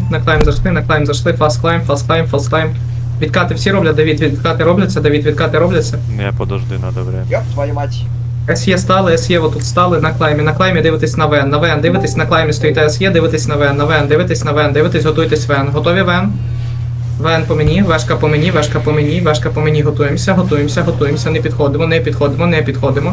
на клайм зайшли, фаст клайм. Відкати всі роблять, Давід, відкати робляться. Не, подожди, надо время. Ёб твою мать. СЄ стали, СЄ отут стали, на клаймі дивитесь на ВН, дивитесь на клаймі, стоїте СЄ, дивитесь на ВН, дивитесь на ВН, дивитесь, готуйтесь ВН. Готові ВН? ВН по мені, вешка по мені, готуємося, не підходимо.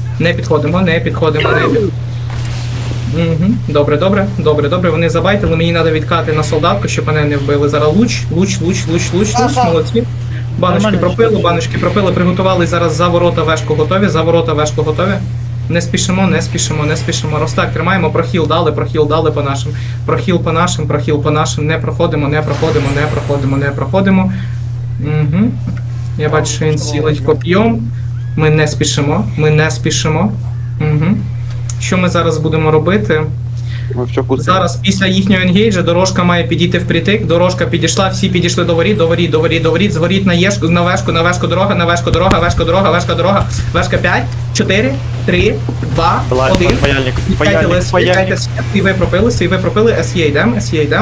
Угу. Добре, вони забайтили, мені треба відкати на солдатку, щоб мене не вбили. Зараз луч, молодці. Баночки пропили, приготували зараз за ворота вешку готові. Не спішимо. Ростак тримаємо, прохіл дали по нашим. Не проходимо. Угу. Я бачу, що він сілить коп'єм. Ми не спішимо. Угу. Що ми зараз будемо робити? Зараз після їхнього енгейджа дорожка має підійти впритик, дорожка підійшла, всі підійшли до воріт, зворіт на вешку, дорога, вешка 5, 4, 3, 2, 1. Паяльник. І ви пропили, СЄ йдем,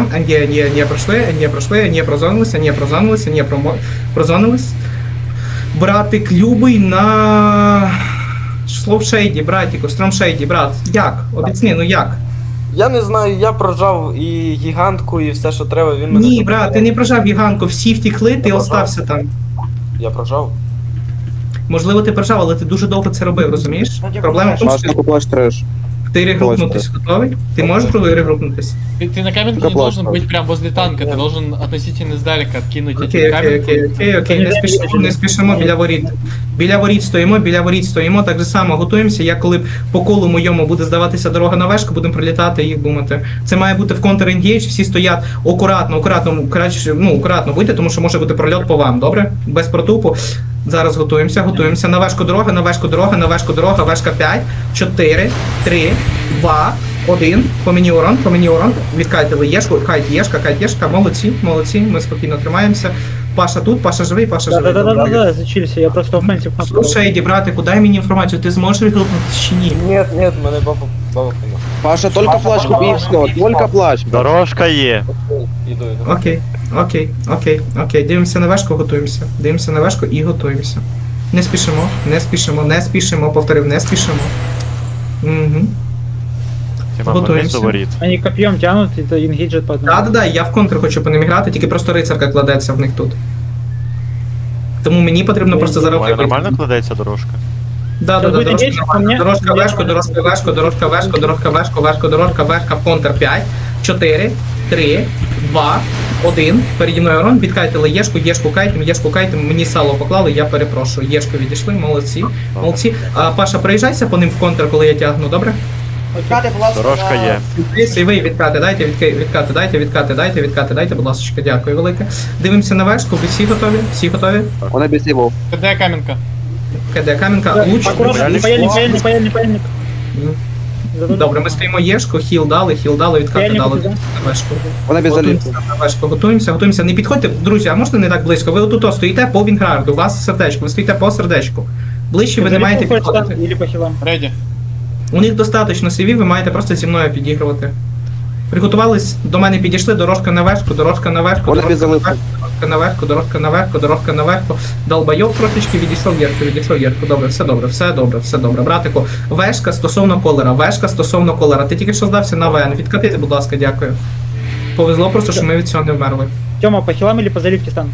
не прозонились. Братик любий на... Слоушейді, братіку, стромшейді, брат. Як? Обіцни, ну як? Я не знаю, я прожав і гігантку, і все, що треба, він мене... Ні, брат, ти не прожав гіганку, всі втікли, ти остався там. Я прожав. Можливо, ти прожав, але ти дуже довго це робив, розумієш? Проблема в тому, що ти регрупнутись готовий? Ти можеш регрупнутись? Ты на каменке не должен быть прям возле танка, ты должен относительно издалека откинуть эти каменки. Окей, не спішимо біля воріт стоїмо, так же само готуємося, як коли по колу моєму буде здаватися дорога на вешку, будемо прилітати і їх бумати. Це має бути в контр-енгейдж, всі стоять акуратно будьте, тому що може бути прольот по вам, добре? Без протупу. Зараз готуємося. На вешку дорога, вешка 5, 4, 3, 2, 1. По мені урон. Відкайтили єшку, кайт єшка. Молодці, ми спокійно тримаємося. Паша тут, Паша живий. Да, зачилися, я просто офенсив. Слушай, Еді, братику, дай мені інформацію, ти зможеш відгукнутися чи ні? Нет, мене баба прийняла. Паша, только плащ купи и все, только плащ. Дорожка є. Іду. Окей, дивимося на вешку, готуємося. Не спішимо, повторив, не спішимо. Угу. Готуємося. Они копьем тянут, это ингейджет по одному. Да, я в контр хочу по ним грати, тільки просто рицарка кладеться в них тут. Тому мені потрібно просто зараз... Нормально кладеться дорожка? Да, дорожка вешка в контр 5, 4, 3, 2, 1. Переді мною урон, відкайтили єшку кайтем, мені сало поклали, я перепрошую. Єшку відійшли, молодці. Паша, проїжджайся по ним в контр, коли я тягну, добре? Відкати, будь ласка, Дорожка є. І ви відкати, дайте, будь ласка, дякую велике. Дивимося на вешку, ви всі готові? Он обезлевал. КД каменка. КД каменка, луч. Паяльник. Добре, ми стоїмо єшку, хіл дали, відкати дали на вешку. Он обезлевал. Готуємося, не підходьте, друзі, а можна не так близько? Ви отут стоїте по Вінграду, у вас сердечко, ви стоїте по сердечку. Ближче ви не маєте підходити. Или по хилам. Реди. У них достатньо CV, ви маєте просто зі мною підігрувати. Приготувались, до мене підійшли, дорожка наверху, дорожка наверху. Долбайок трошечки, відійшов Єрку. Все добре. Братику, вешка стосовно колера. Ти тільки що здався на ВН. Відкатити, будь ласка, дякую. Повезло просто, що ми від цього не вмерли. Тёма, по хилам или по заливке стан?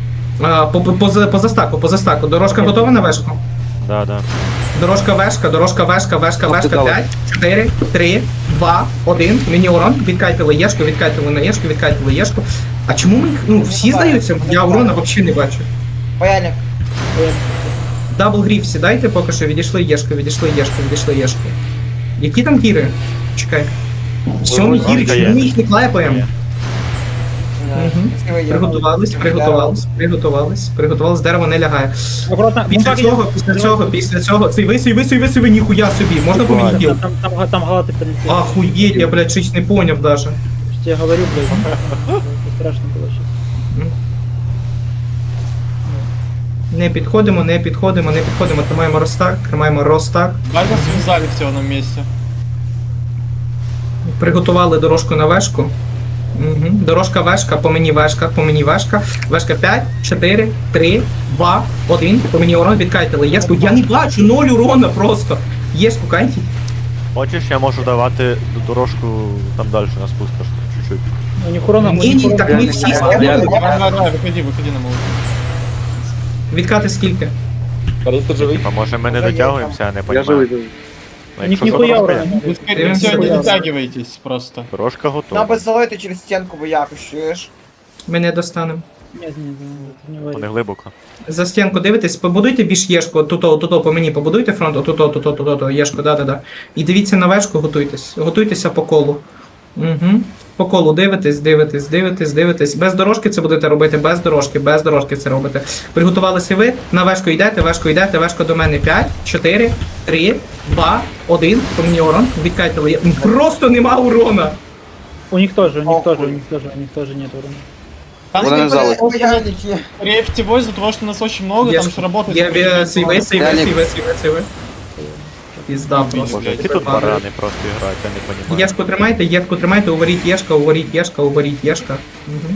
По застаку. Дорожка готова на вешку? Да. Дорожка вешка 5, 4, 3, 2, 1. Мені урон, відкайтили на єшку. А чому ми їх, всі здаються? Я урона взагалі не бачу. Паяльник. Дабл гріф сідайте, поки що відійшли єшку. Які там гіри? Чекай. Сьомі гіри, чому ми їх не клепаємо? Приготувались, дерево не лягає. Аккуратно. Після цього, цей висуй, ніхуя собі, можна по мені діл? Там галаты прилетели. Охуєть, я, блядь, щось не поняв даже. Я говорю, блядь. Это страшно было сейчас. Не підходимо, тримаємо ростак. Бальба связали все в одном месте. Приготували дорожку на вешку. Угу. Дорожка вешка, по мені вешка, по мені вешка. Вешка 5, 4, 3, 2, 1. По мені урон відкайтили. Єшку, я не бачу, 0 урона просто. Єшку, кайтіть. Хочеш, я можу давати дорожку там далі на спусках, чуть-чуть. У них урона, Ні, так ми всі скинули. Давай, выходи на молот. Відкати скільки? Карі, ти живий? А може ми не дотягуємося, я не Я розумію. живий. Ну, у них якщо ніхуя дорожка урона. є. Вы, скорее всего, не дотягиваетесь просто. Дорожка Нам готова. би залити через стінку, бо якось, чуєш? Ми не достанемо. Нет, не Вони варі. глибоко. За стінку дивитесь, побудуйте більш єшку, тут по мені побудуйте фронт, тут, єшку, да. І дивіться на вешку, готуйтеся по колу. Угу. По колу дивитесь. Без дорожки це будете робити, без дорожки це робите. Приготувалися ви, на вешку йдете, вешка до мене 5, 4, 3, 2, 1, по мені урон, відкайтили. Просто нема урона. У них тоже нет урона. Там, Вона не скорее, взяла. Паяльники. скорее всего, из-за того, что нас очень много, там же работает... Є сейви. Пізда Боже, просто. які тут барани просто грають, я не розумію. Єшку тримайте, уваріть єшка. Угу.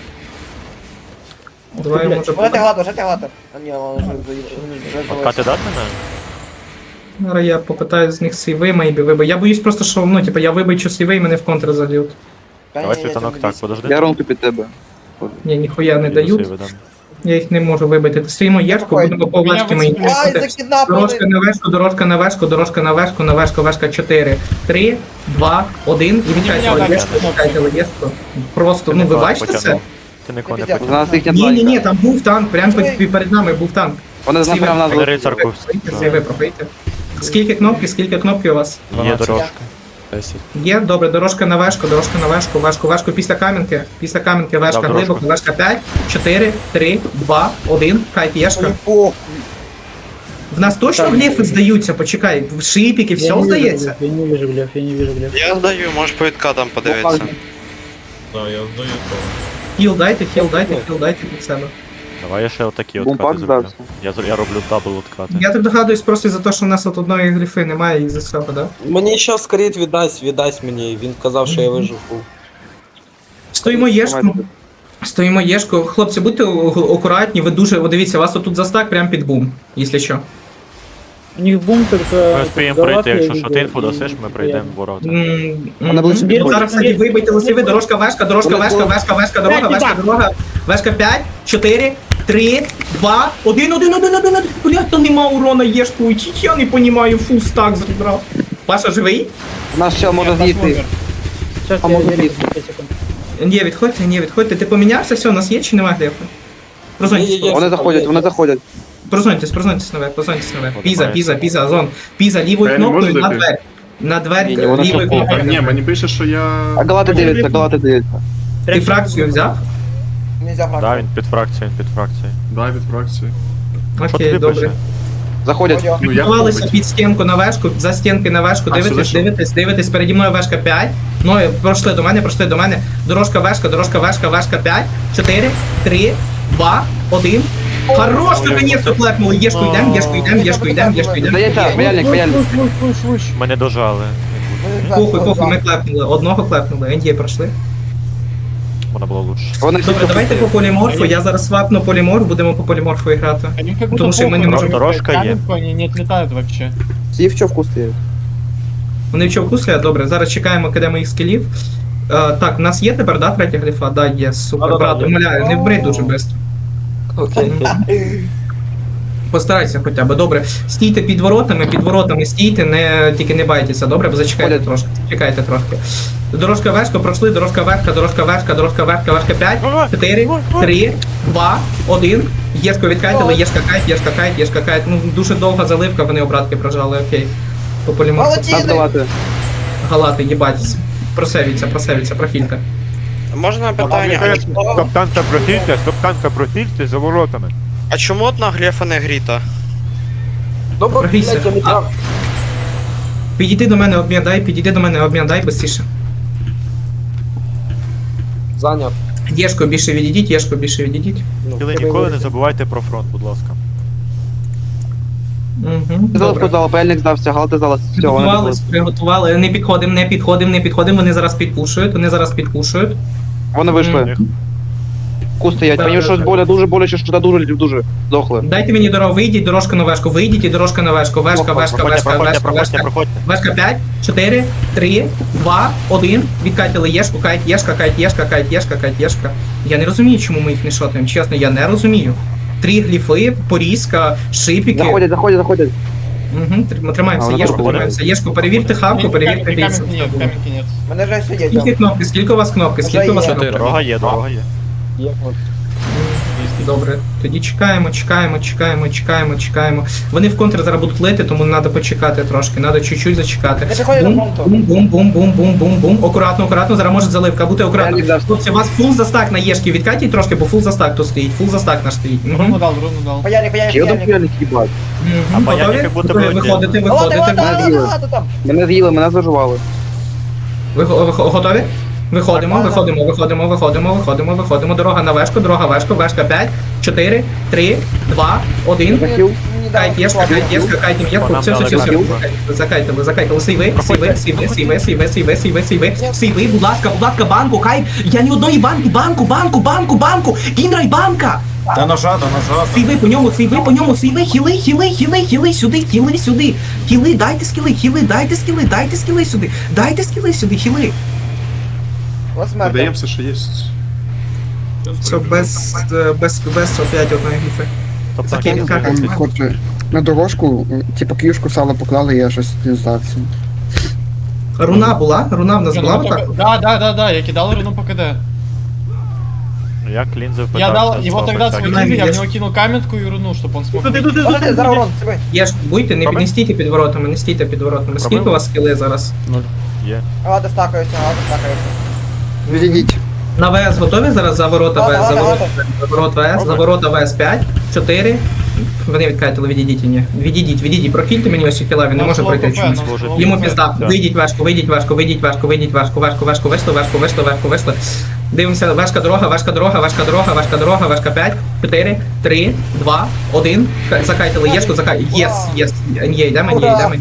Давай, може, Жати гладо. А ні, воно вже Откати дати на? зараз я попитаю з них сейви, мейбі вибив. Я боюсь просто, що, ну, типу, я вибичу сейви і мене в контр зальють. Давай світанок так, подожди. Я ронку під тебе. Ні, ніхуя не дають. Сейви дам. Я їх не можу вибити. Стоїмо єшку, Ой, будемо по важкі мене мої. Ай, закидапали! Дорожка на вешку, 4, 3, 2, 1, і відкайтили єшку. Просто, ну ви бачите це? Ти нікого не Ти У потягнув. нас їхня Ні, планка. там був танк, прямо перед нами був танк. Вони знов прямо нас Вони рицарку. Сейви пробийте. Скільки кнопки у вас? Є дорожка. Є, добре, дорожка на вешку, після камінки, вешка Дав глибоко, вешка 5, 4, 3, 2, 1, кайт єшка. В нас точно глефи здаються, почекай, шипіки, все здається? Я не вижу глеф. Я здаю, можеш по відкатам подивитися. Хіл дайте під себе. Давай я ще отакі Бумпак откати зроблю. здався. Я роблю дабл откати. Я так догадуюсь просто за те, що в нас от одної гліфи немає і за цього, да? Мені ще скоріт віддасть мені, він казав, що я виживу. Стоїмо єшку. Хлопці, будьте акуратні, ви дуже, ви дивіться, у вас отут застак прямо під бум, якщо що. У них бум только... Ми встаємо пройти, якщо що ти інфу дасиш, ми прийдемо в ворота. Вона ближче Зараз, підходить. кстати, вибийте лисиви, дорожка, вешка, дорога, вешка 5, 4, 3, 2, 1, блядь, там нема урона єшку, я не понімаю, фул стак зібрав. Паша живий? Нас ще може з'їсти. Сейчас А я можно верю, есть? 5 секунд. Ні, відходьте, ти помінявся, все, у нас є чи нема глефа? Прозвоньтесь, Є. Вони заходять. прозвоньтесь наверх. От Піза, зон. Піза, лівою Я не кнопкою можу на зайти? двері. На двері, Ні, вона лівою що, кнопкою. Ні, мені пише, що я... А галати дивляться. Ти фракцію взяв? Нельзя Да, грати. він під фракцією, Да, від фракції. Що Окей, тобі добре. пише? Заходять. Ну, я Готувалися побить. під стінку на вешку, за стінки на вешку, А, сюди що? дивитесь, переді мною вешка 5. Ну, пройшли до мене. Дорожка вешка 5, 4, 3, 2, 1. Хорош, наконец-то клепнули. Єшку йдем. Здається, паяльник. Мене дожали. Похуй, ми клепнули. Одного клепнули, НД пройшли. Вона була лучше. Вони всі Добре, давайте по поліморфу, я зараз свапну поліморф, будемо по поліморфу грати. Они как Потому что мы не можем- Дорожка є. Они не отлетают вообще. всі в човку стоять. Вони в човку стоять, добре, зараз чекаємо, кидаємо їх скілів. Так, у нас є тепер, да, третя гліфа? Да, є, супер, Да-да-да, брат, є. умоляю, не вбри дуже швидко. Окей. Постарайся хоча б, добре. Стійте під воротами стійте, тільки не байтеся, добре? Бо зачекайте Ходять. трошки, чекайте трошки. Дорожка вешка, пройшли, дорожка вешка 5, 4, 3, 2, 1. Єшку відкайтили, єшка кайт. Ну, дуже довга заливка, вони обратки прожали, окей. По поліморфу. Нас Молодці! галати. Галати, їбать. Просевіться, профілька. Можна питання? А чому- Стоптанка профільте за воротами. А чому одна глефа не гріта? Добре, Прогрійся. блядь, я не прав. Підійди до мене, обмін дай быстріше. Зайняв. Єшко більше відійдіть. Ну, Ви ніколи не забувайте про фронт, будь ласка. Угу. Залишку зала, паяльник здався, галати зала. Все, вони Приготували, не підходимо, вони зараз підпушують. Вони вийшли. Ку стоять. Мені щось дуже боляче, що дуже здохли. Дайте мені дорогу, вийдіть, дорожка на вешку, вийдіть і дорожка на вешку. Вешка, вешка, вешка, вешка, вешка. Вешка 5, 4, 3, 2, 1. Відкатили єшку, кайт, єшка, кайт, єшка, кайт, єшка, кайт, єшка. Я не розумію, чому ми їх не шотаємо. Чесно, я не розумію. 3 гліфи, порізка, шипіки. Заходять. Угу, тримаємося, єшку, тримаємося. Єшку, перевірте хавку, перевірте Каменки бійців. нет, каменки нет. Мене вже сидять Скільки там. кнопки, скільки у вас кнопки, скільки у вас кнопки? Дорога є. Добре, тоді чекаємо. Вони в контр зараз будуть лити, тому треба почекати трошки, треба чуть-чуть зачекати. Не приходять до фронту. Бум. Акуратно, зараз може заливка, бути акуратно. Хлопці, у вас фул застак на єшки, відкатіть трошки, бо фул застак тут стоїть, фул застак наш стоїть. Руну дал. Паяльник. Ще один п'яник їбать. А паяльник Готові? як будто Готові? би Виходите. Ладно, там. Мене з'їли, мене заживали. Ви готові? Виходимо. Дорога на вешку, вешка 5, 4, 3, 2, 1. Захил. Кайт, єшка, все. Закайтили. Сейви, будь ласка, банку, кайт. Я ні одної банку. Кіндрай банка. Та ножа. Сейви по ньому, хіли, сюди. Хіли, дайте скіли сюди, хіли. Ось смерть. Додаємо все, що є. Все, без опять одної гіфи. Тобто Закинь, На дорожку, типу, кішку сало поклали, я щось не здався. Руна в нас була так? Да, я кидал руну по КД. Я клінзив Я дал его тогда так. схватили, я в Есть. него кинул каменку и руну, чтобы он смог. Подожди, зараз урон, себе. Є ж, будьте, не стійте під воротами, Скільки у вас скіли зараз? Є. Ладно, стакаються. Відійдіть. На ВС готові зараз за ворота ВС? За ворота ВС 5, 4. Вони відкатили, відійдіть. Прохильте мені ось хіла, він не може пройти чомусь. Йому пізда. Вийдіть важко. Вийшли. Дивимося, важка дорога. Важка 5, 4, 3, 2, 1. Закайтили єшку, Єс. Н'є, йдемо.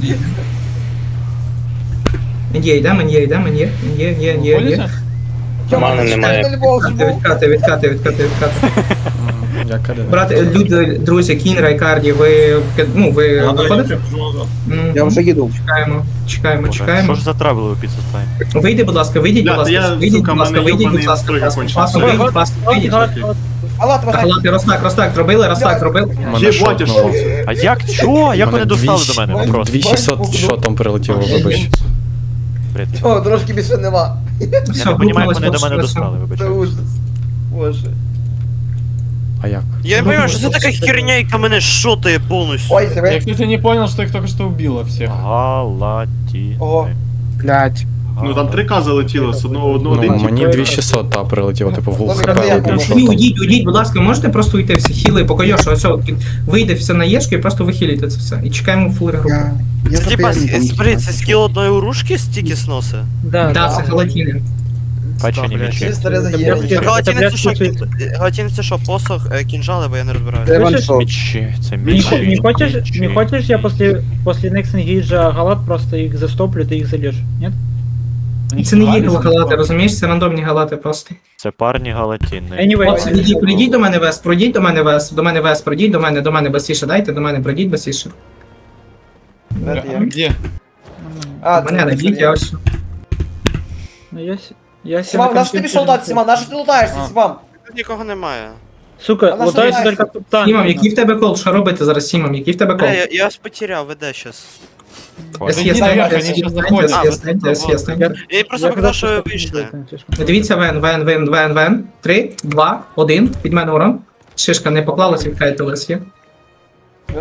Н'є. Мани немає. Відкати. Брати, люди, друзі, Кін, Райкарді, ви виходите? Я вже їду. Чекаємо. Що ж за трабли у піцу стаємо? Вийдіть, будь ласка. Вийдіть, будь ласка. Розтак зробили. Єбать, а що це? А як? Що? Як вони достали до мене? Вопрос. 2600 шотом прилетіло, вибач. Бред. О, трошки більше нема. Я не розумію, як вони до мене достали, вибач. Це ужас. Боже. А як? Я не понимаю, що це така херня, яка мене шотає повністю. Ой, Я, себе. кстати, не понял, что их только что убило всех. Галаті. Ого. Блять. Ну там 3К залетіло, з одного Ну, один мені 2600 та прилетіло, типу, в гул Ну, хп я одним думаю. шотом. Уйдіть, будь ласка, можете просто уйти всі хіли, поки Йоша, ось вийде все на єшки і просто вихиліте це все. І чекаємо фул регрупу. Я Це типа, запевнений, смотри, це скіл одної урушки стільки сноси. Да, це галатіни. Печені мічі. Чисто резагірні. Галатін це що, посох, кінжали, бо я не розбираю. Це ваншот. Мічі, це мічі. Не хочешь я после Next Engage галат просто их застоплю, ты их залежь? Нет? Це не є галати, розумієш? Це рандомні галати просто. Це парні галатіни. Anyway, Хлопці, прийдіть до мене вес, пройдіть до мене басіше, дайте до мене, пройдіть басіше. Где? Мене найдіть, я ось. ну я Сімам, наш ти пішов лутати, Сімам, наш ти лутаєшся, Сімам. Тут нікого немає. Сука, Она лутаются собирается. только капитан. Сімам, який в тебе кол? Що робити зараз, Сімам? Який в тебе кол? Бля, я вас потеряв, веде щас. Зайди наверх, они сейчас заходят. Я просто показав, що ви вийшли. Дивіться, вен. 3, 2, 1, під мене урон. Шишка не поклалась, відкайте лис є.